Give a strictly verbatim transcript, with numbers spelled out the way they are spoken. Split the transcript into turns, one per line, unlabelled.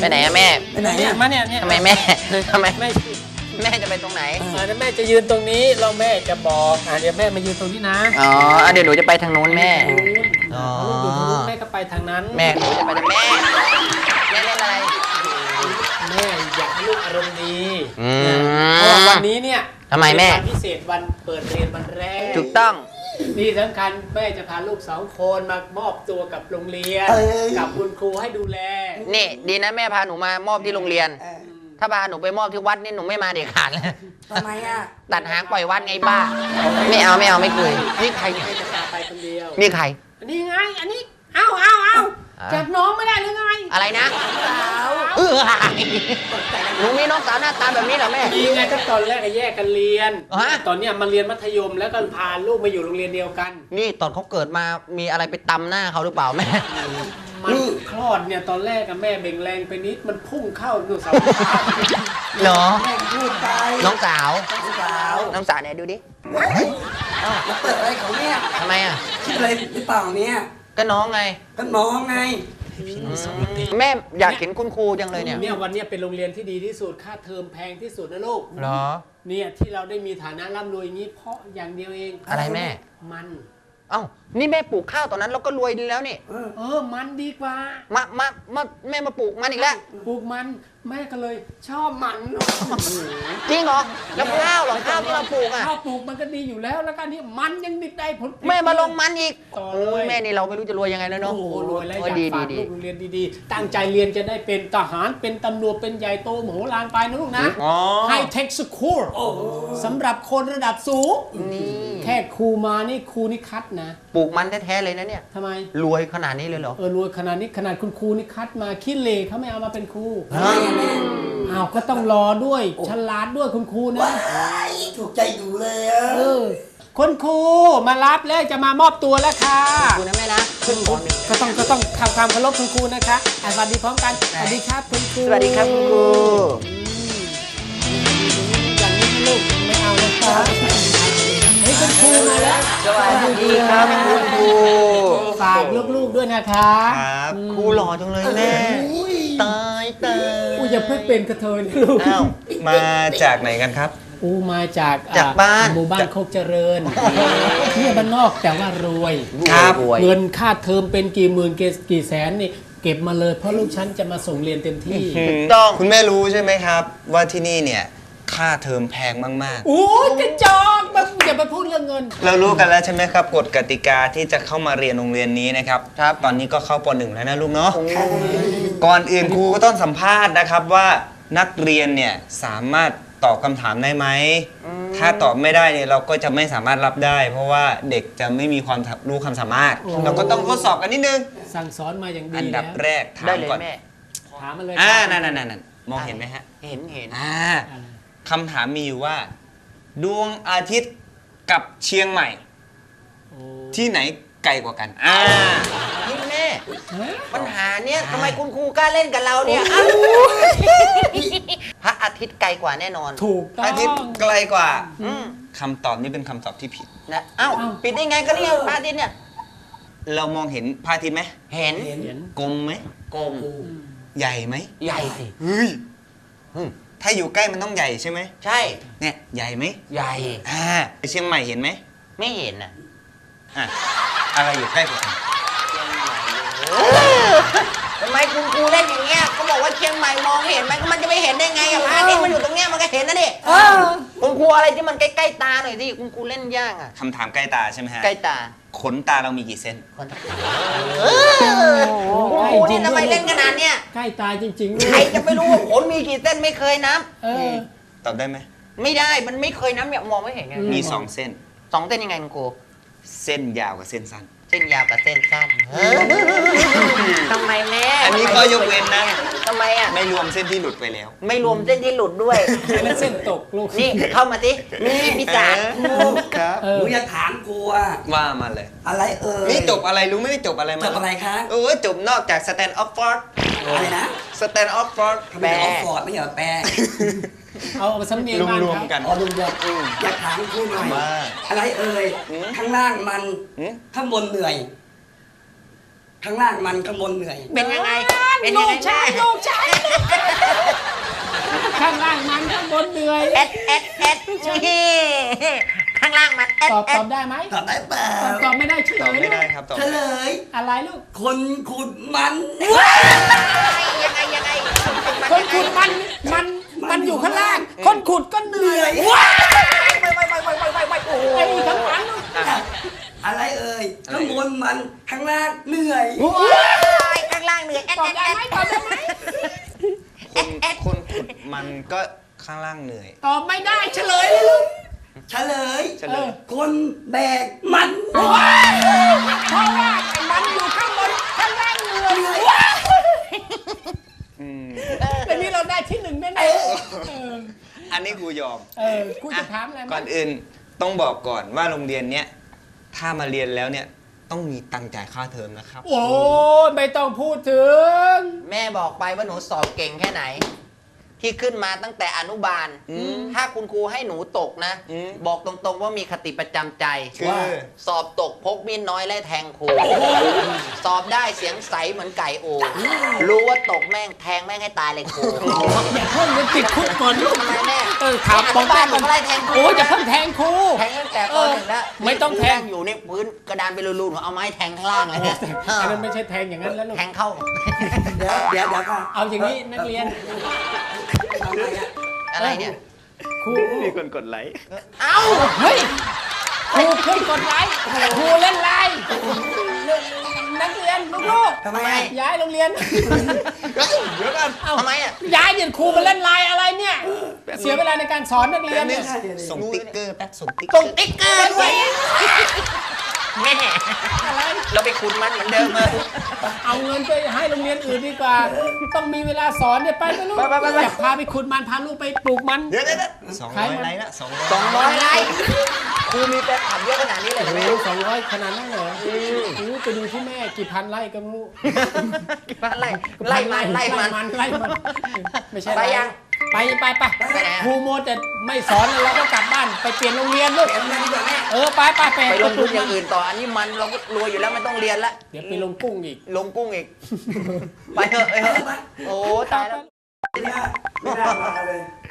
ไปไหนอะแม่
ไปไหนเนี่ยมาเนี่ยเนี่ย
ทำไมแม่ทำไม
แม่
แม่จะไปตรงไหน
อ่าเดี๋ยวแม่จะยืนตรงนี้แล้วแม่จะบอกอ่าเดี๋ยวแม่มายืนตรงนี้นะ
อ๋ออ่ะเดี๋ยวหนูจะไปทางนู้นแม่
อ๋อลูกอยู่ทางนู้นแม่ก็ไปทางนั้น
แม่หนูจะไปทางแม่แม่เล่นอะไร
แม่อยากให้ลูกอารมณ์ดี
อืม
เพราะว่าวันนี้เนี่ย
ทำไมแม่
เป็นวันพิเศษวันเปิดเรียนวันแรก
ถูกต้อง
นี่สำคัญแม่จะพาลูกสองคนมามอบตัวกับโรงเรียน กับคุณครูให้ดูแล
นี่ดีนะแม่พาหนูมามอบที่โรงเรียน ถ้าพาหนูไปมอบที่วัดนี่หนูไม่มาเด็ดขาดเลย
ทำไมอ่ะ
ตัดหางปล่อยวัดไงบ้าไม่เอาไม่เอาไม่เคยนี่ใครเนี่ย
แม่จะพาไปคนเดียว
นี่ใคร
อันนี้ไง อันนี้ เอาเอาเอา
อ่า
จับน้องไม่ได้หรือไง
อะไรนะเออหนูมีน้องสาวหน้าตาแบบนี้เหรอแม่
ดีไงก็ตอนแรกก็แยกกันเรียน
ฮะ
ตอนเนี้ยมาเรียนมัธยมแล้วก็พาลูกมาอยู่โรงเรียนเดียวกัน
นี่ตอนเขาเกิดมามีอะไรไปตำหน้าเขาหรือเปล่าแม่
มันคลอดเนี่ยตอนแรกกับแม่เบ่งแรงไปนิดมันพุ่งเข้าดูเสา
เหรอ
แม่งพูดไป
น้องสาว
ลูกสาว
น้องสาวเนี่ยดูดิ
มาเปิดอะไรของเนี่ย
ทำไมอ่ะ
คิดอะไรหรือเปล่าเนี่ย
ก็น้องไง
ก็น้องไง
แม่อยากเห็นคุณครูจังเลยเนี่ย
เนี่ยวันเนี้ยเป็นโรงเรียนที่ดีที่สุดค่าเทอมแพงที่สุดนะลูก
เหรอ
เนี่ยที่เราได้มีฐานะร่ำรวยอย่างนี้เพราะอย่างเดียวเอง
อะไรแม่
มัน
เอ้านี่แม่ปลูกข้าวตอนนั้นเราก็รวยดีแล้วนี่
เออมันดีกว่า
มามามาแม่มาปลูกมันอีกแล้ว
ปลูกมันแม่ก็เลยชอบมัน
จริงเหรอแล้วข้าวเหรอข้าวที่เราปลูกอ่ะ
ข้าวปลูกมันก็ดีอยู่แล้วแล้วก็นี่มันยังดิได้ผลผลิต
แม่มาลงมันอีก
ต่อ
โอ้
เลย
ยแม่นี่เราไม่รู้จะรวยยังไงแล้วเนาะ
โอ้โหรวยแล้ว
โอ้
อยาก
ดี
ฝา
ดี
ก
ดี
ลูกโรงเรียนดีๆ ตั้งใจเรียนจะได้เป็นทหารเป็นตำรวจเป็นใหญ่โตมโหฬารไปนะลูกนะ
อ๋อ
ไฮเทคสคูลสำหรับคนระดับสูง
นี่
แค่ครูมานี่ครูนี่คัดนะ
ปลูกมันแท้ๆเลยนะเนี่ย
ทำไม
รวยขนาดนี้เลยเหรอ
เออรวยขนาดนี้ขนาดคุณครูนี่คัดมาขี้เหร่เขาไม่เอามาเป็นครู
ฮะ
อ้าวก็ต้องรอด้วยฉลาดด้วยคุณครูนะ
ถูกใจดูเลยอ่ะ
เออคุณครูมารับแล้วจะมามอบตัวแล้วค่ะ
ขอบคุณนะแม่นะขึ้นปหนึ่ง
ก็ต้องก็ต้องทำความเคารพคุณครูนะคะอ่ะสวัสดีพร้อมกันสวัสดีครับคุณครู
สวัสดีครับคุณครู
อย่างนี้ลูกไม่เอาเลยครับเฮ้ยคุณครูมาแล้ว
สวัสดีครับคุณครู
ฝากลูกๆด้วยนะคะ
ครับ
ครูหล่อจังเลยแม่ตายตาย
อู้อย่าเพิ่งเป็นกระเทยนะลูก
อ้าว
มาจากไหนกันครับ
อู้มาจาก
จากบ้าน
หมู่บ้านโคกเจริญเนี่ยบ้านนอกแต่ว่ารวย
ครับ
รวย
เงินค่าเทอมเป็นกี่หมื่นกี่แสนนี่เก็บมาเลยเพราะลูกฉันจะมาส่งเรียนเต็มที่
ถูกต้อง
คุณแม่รู้ใช่ไหมครับ ว่าที่นี่เนี่ยค่าเทอมแพงมาก
โอ้ยจะจอกแบบอย่าไปพูดเรื่องเงิน
ๆ เรารู้กันแล้วใช่ไหมครับกฎกติกาที่จะเข้ามาเรียนโรงเรียนนี้นะครับ
ครับ
ตอนนี้ก็เข้าปหนึ่งแล้วนะลูกเนาะก่อนอื่นครูก็ต้องสัมภาษณ์นะครับว่านักเรียนเนี่ยสามารถตอบคำถามได้ไหมถ้าตอบไม่ได้เนี่ยเราก็จะไม่สามารถรับได้ เพราะว่าเด็กจะไม่มีความรู้ความสามารถ
โอ้
เราก็ต้องทดสอบกันนิดนึง
สั่งสอนมาอย่างดี
อันดับ
แล้ว
แรกถา
ได้
ม
เลย
ก่อน
แม่
ถามมาเลย
อ่า
ครับ
นั่นนั่นนั่นมองเห็นไหมฮะ
เห็นเห็น
อ่าคำถามมีอยู่ว่า ดวงอาทิตย์กับเชียงใหม่
โอ้
ที่ไหนไกลกว่ากัน อ่า
นี่แม่
ฮะ
ปัญหาเนี้ยทำไมคุณครูกล้าเล่นกับเราเนี่ยอ้าวพระอาทิตย์ไกลกว่าแน่นอน
ถูกต้อง
อาทิตย์ไกลกว่า
อืม
คำตอบนี้เป็นคำตอบที่ผิด
นะเอ้า
เอ้า
ปิดได้ไงก็เนี่ยพระอาทิตย์เนี่ย
เรามองเห็นพระอาทิตย์ไหม
เห็น
เห็น
กลมไหม
กลม
ใหญ่ไหม
ใหญ่สิ
เฮ้ย
อืม
ถ้าอยู่ใกล้มันต้องใหญ่ใช่ไหม
ใช่
เนี่ยใหญ่ไหม
ใหญ่
อ่าเชียงใหม่เห็นไหม
ไม่เห็นอ่ะ
อ่ะอะไรอยู่ใกล้กว่ากัน
เชียงใหม่ทำไมคุณครูเล่นอย่างเงี้ยเขาบอกว่าเชียงใหม่มองเห็นไหมก็มันจะไม่เห็นได้ไงอะพระอาทิตย์มันอยู่ตรงเนี้ยมันก็เห็นนะดิคุณครูอะไรที่มันใกล้ๆตาหน่อยสิคุณครูเล่นยากอ่ะ
คำถามใกล้ตาใช่ไหมฮะ
ใกล้ตา
ขนตาเรามีกี่เส้น
คนเออคุณครูนี่ทำไมเล่นขนาดเนี้ย
ใกล้ตายจริงๆด้วย
ใครจะไปรู้ว่าขนมีกี่เส้นไม่เคยนับ
เออ
ตอบได้ไหม
ไม่ได้มันไม่เคยนับเนี่ยมองไม่เห็นไง
มีสองเส้น
สองเส้นยังไงคุณครู
เส้นยาวกับเส้นสั้น
เส้นยาวกับเส้นสั้นทำไมแม่
อันนี้ก็ยกเว้นนะ
ทำไมอ่ะ
ไม่รวมเส้นที่หลุดไปแล้ว
ไม่รวมเส้นที่หลุดด้วย
อันนั้นเส้นตกลูก
นี่เข้ามาสินี่พิศาจ
ครับ
เอ
ห
อ
นูอยากถามกูอ่ะ
ว่ามาเลย
อะไรเอ่ย
นี่จบอะไรรู้ไหมนี่จบอะไรมา
จบอะไรคะ
เออจบนอกจาก stand up for
อะไรนะ
stand up for
ทำไมออกฟอร์ดไม่เหรอแปล
เอาเอาสำเนียงบ้าน
รวม
เขา
ๆกัน
อ๋อลุงบอกอยากถามกูหน่อย
ว่า
อะไรเอ่ย
หืม
ข้างล่างมัน
หืม
ข้างบนเหนื่อยข้างล่างมันข้างบนเหนื่อย
เป็นยังไงเป็น
ลู
ยังไง
กชายลูกชายข้างล่างมันข้างบนเหนื่อย
เอ็ดเอ็ดเอ็ดนี่ข้างล่างมันเอ็ด
ตอบ
เอ็
ตอ
ด
บได้ไหม
ตอบได้เปล่า
ตอบตอบไม่ได้เฉล
ตอบ
ย
ไม่
ลู
ได้
ก
ครับตอบ
เฉลย
อะไรลูก
คนขุดมัน
ยังไงยังไง
คนขุดมันมันมันอยู่ข้างล่าง คนขุดก็เหนื่อย
ไปไปไปไปไปไปไปโอ้โห
ไอ้ข้างหลัง
อะไรเอ่ยข้างบนมันข้างล่างเหนื่อย
ข้างล่างเหนื่อยเอ็ด
ตอบ
เอ็ด
ได้
เอ็ด
ไหมตอบได้ไหม
คนคนขุดมันก็ข้างล่างเหนื่อย
ตอบไม่ได้เฉลยเลยลูก
เฉลย
เฉลย
คนแบกมัน
เพราะว่าไอ้มันอยู่ข้างบนข้างล่างเหนื่อย
อืม
แต่นี่เราได้ที่หนึ่งแน่ๆเออ
อันนี้กูยอม
เออกูจะถามอะไร
ก่อนอื่นต้องบอกก่อนว่าโรงเรียนเนี้ยถ้ามาเรียนแล้วเนี่ยต้องมีตังค์จ่ายค่าเทอมนะครับ
โอ้ยไม่ต้องพูดถึง
แม่บอกไปว่าหนูสอบเก่งแค่ไหน ที่ขึ้นมาตั้งแต่อนุบาล ถ้าคุณครูให้หนูตกนะ
อืม
บอกตรงๆว่ามีคติประจำใจ
คือ
ว่าสอบตกพกมีดน้อยไล่แทงครูสอบได้เสียงใสเหมือนไก่โอรู้ว่าตกแม่งแทงแม่งให้ตายเลยครู
อย่าเพิ่งมันติดคุกก่อนลูก
ทำไมแม่
เออถามบอก
บ้า
แม่
นหนู
ก่อน
ก็ไล่แทงครู
โอ้ยอย่าเพิ่งแทงครู
แทงตั้งแต่ปหนึ่งแล้ว
ไม่ต้องแทง
อยู่ในพื้นกระดานเป็นรูๆหนูเอาไม้แทงข้างล่างเลยนะ
อันนั้นไม่ใช่แทงอย่างนั้นแล้วลูก
แทงเข้า
เดี๋ยวเดี๋ยวเดี๋ยวก่อน
เอาอย่างนี้นักเรียน
ทำไมอะ
อะไรเนี่ย
ครู
มีคนกดไลค์
เอ้า
เฮ้ยครูขึ้นกดไลค์ครูเล่นไลน์นักเรียนลูก
ทำไมอะ
ๆย้ายโรงเรียน
เดี๋ยวกัน
ทำไมอ่ะ
ย้ายเดี๋ยวครูมาเล่นไลน์อะไรเนี่ย เสียเวลาในการสอนนักเรียน
เนี่
เนี่ย ย
ส่งติ๊กเกอร์แป๊บส่งติ๊ก
ตรงติ๊กเกอร์ด้วยแม่
อะไร
เราไปขุดมันเหมือนเดิมเลย
เอาเงินไปให้โรงเรียนอื่นดีกว่า ต้องมีเวลาสอนเนี่ยไปนะลูกอยากพาไปขุดมันพาลูกไปปลูกมัน
เดี๋ยวเดี๋ยวสองร้อยไลค์ละสองร้อย
สองร้อยไลค์ครูมีแฟนคลับเยอะขนาดนี้เลยเหรอแม่
โอ้สองร้อยขนาดนั้นเหรออือไปดูที่แม่กี่พันไร่ก็ไม่รู้
ไล่ไล่มันไล่มัน
มันไล่มันไม่ใช่
ไปยัง
ไปไปไป
ไปไหนอะ
ครูโมแต่ไม่สอนแล้วเราก็กลับบ้านไปเปลี่ยนโรงเรียนลูก
เดี๋ยวมาดีกว่าแม่
เออไปไปไป
ไปลงทุนอย่างอื่นต่อ อันนี้มันเราก็รวยอยู่แล้วไม่ต้องเรียนละ
เดี๋ยวไปลงกุ้งอีก
ลงกุ้งอีก ไปเถอะไปเถอะโอ้ตายแล้ว
ไม่น่าไม่น่ามาเลย